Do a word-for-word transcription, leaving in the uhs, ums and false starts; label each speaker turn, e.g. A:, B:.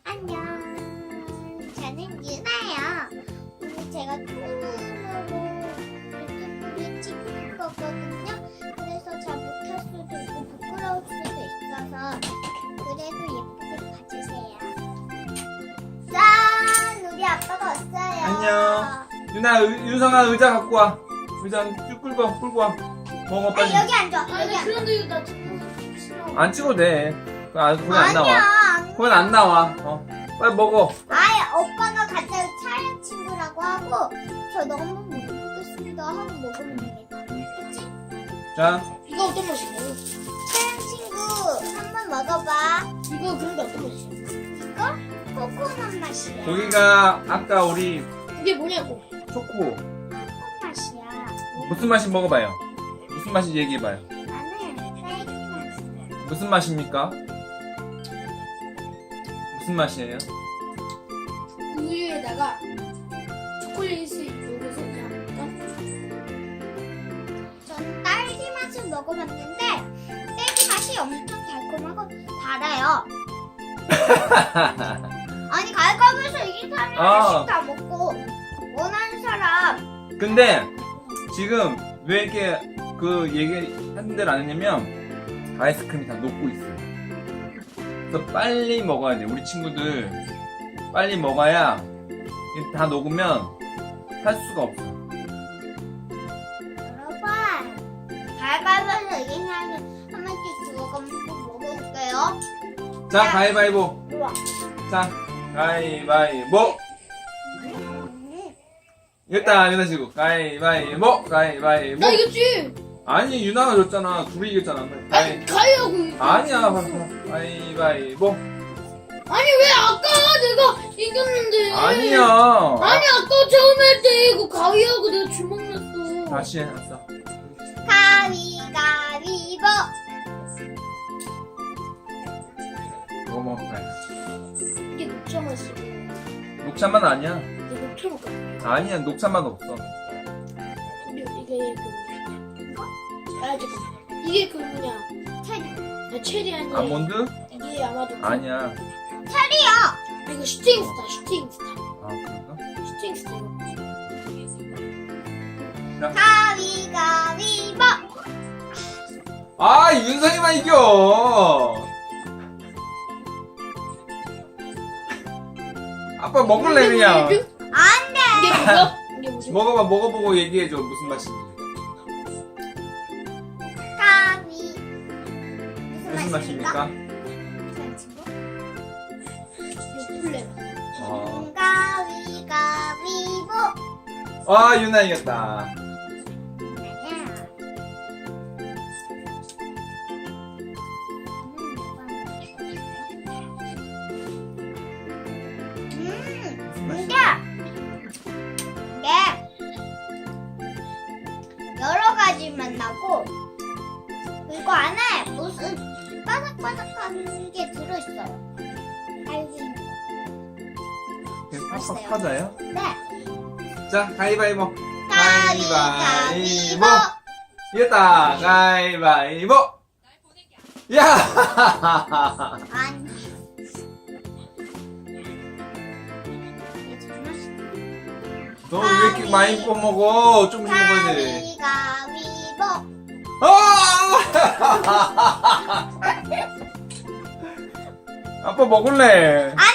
A: 안녕. 저는 유나예요. 오늘 제가 처음으로 유튜브를 찍는 거거든요. 그래서 잘못할 수도 있고 부끄러울 수도 있어서 그래도 예쁘게 봐주세요. 짠! 우리 아빠가 왔어요.
B: 안녕. 유나, 의, 윤성아 의자 갖고 와. 의자 쭉 끌고 와, 끌고 와. 먹어, 빨리.
A: 아, 여기 앉아.
C: 아니
A: 여기 앉아.
C: 그런데 이거 나 찍는 거 싫어.
B: 안 찍어도 돼. 그거 안, 그건 안 나와.
A: 아니야.
B: 그건 안 나와. 어. 빨리 먹어.
A: 아예 오빠가 같이 촬영 친구라고 하고 저 너무 못 먹겠습니다 하고 먹으면 되겠다. 그치?
B: 자,
C: 이거 어떤 맛이에요?
A: 촬영 친구 한번 먹어봐.
C: 이거 그런데 어떤 맛이에요?
A: 이거 코코넛 맛이야.
B: 고기가 아까 우리
C: 이게 뭐냐고.
B: 초코.
A: 코코넛 맛이야.
B: 무슨 맛인지 먹어봐요. 무슨 맛인지 얘기해봐요.
A: 나는 딸기 맛이야.
B: 무슨 맛입니까? 무슨 맛이에요?
C: 우유에다가 초콜릿을 녹여서 그냥
A: 전 딸기 맛을 먹어봤는데 딸기 맛이 엄청 달콤하고 달아요. 아니 갈까면서 이긴 사람이
B: 아.
A: 하나씩 다 먹고 원하는 사람.
B: 근데 지금 왜 이렇게 그 얘기 하는 대로 안 했냐면 아이스크림이 다 녹고 있어요. 그래서 빨리 먹어야 돼. 우리 친구들 빨리 먹어야 이게 다 녹으면 할 수가 없어.
A: 여러분 갈까면서 이긴 사람이 한 번씩 주워가면서 먹어볼게요.
B: 자, 가위바위보.
A: 우와.
B: 자, 가위바위보.
A: 음.
B: 이겼다, 유나 지고. 가위바위보. 가위바위보.
C: 나 이겼지.
B: 아니, 유나가 졌잖아. 둘이 이겼잖아.
C: 아니
B: 가위.
C: 가위하고 이거.
B: 아니야, 봐봐. 가위바위보.
C: 아니 왜 아까 내가 이겼는데?
B: 아니야.
C: 아니 아까 처음 할 때 이거 가위하고 내가 주먹 냈어.
B: 다시 해놨어.
A: 가위가위보.
B: 이거 먹어봐요.
C: 이게 녹차 맛이고
B: 녹차 맛 아니야.
C: 이게 녹차 맛 같아.
B: 아니야, 녹차 맛 없어.
C: 근데 이게 그 아 잠깐 이게 그 뭐냐
A: 체리.
C: 아, 체리 아니야.
B: 아몬드?
C: 이게 아마도 그-
B: 아니야.
A: 체리요.
C: 이거 슈팅스타 슈팅스타
B: 아, 그런가?
C: 슈팅스타 이거.
A: 가위가위보.
B: 아, 윤성이만 이겨! 아빠 먹을래, 그냥.
C: 이게
A: 안돼.
C: 뭐야? 이게 뭐지?
B: 먹어봐, 먹어보고 얘기해줘. 무슨 맛인지.
A: 가위.
B: 무슨 맛입니까?
A: 제 친구?
C: 이거 플레.
B: 어.
A: 가위가위보.
B: 아, 유나 이겼다.
A: 음, 이게 이게 여러 가지 맛 나고 그리고 안에 무슨 바삭바삭한 게 들어있어요. 딸기. 맛있어요.
B: 파자요?
A: 네.
B: 자, 가위바위보.
A: 가위가위보.
B: 이겼다. 가위바위보. 야!
A: 아니. 이게 제일 맛있어.
B: 너 왜 이렇게 많이 퍼먹어? 조금씩 먹어야 돼.
A: 가위가위보.
B: 아! 아빠 먹을래.
A: 아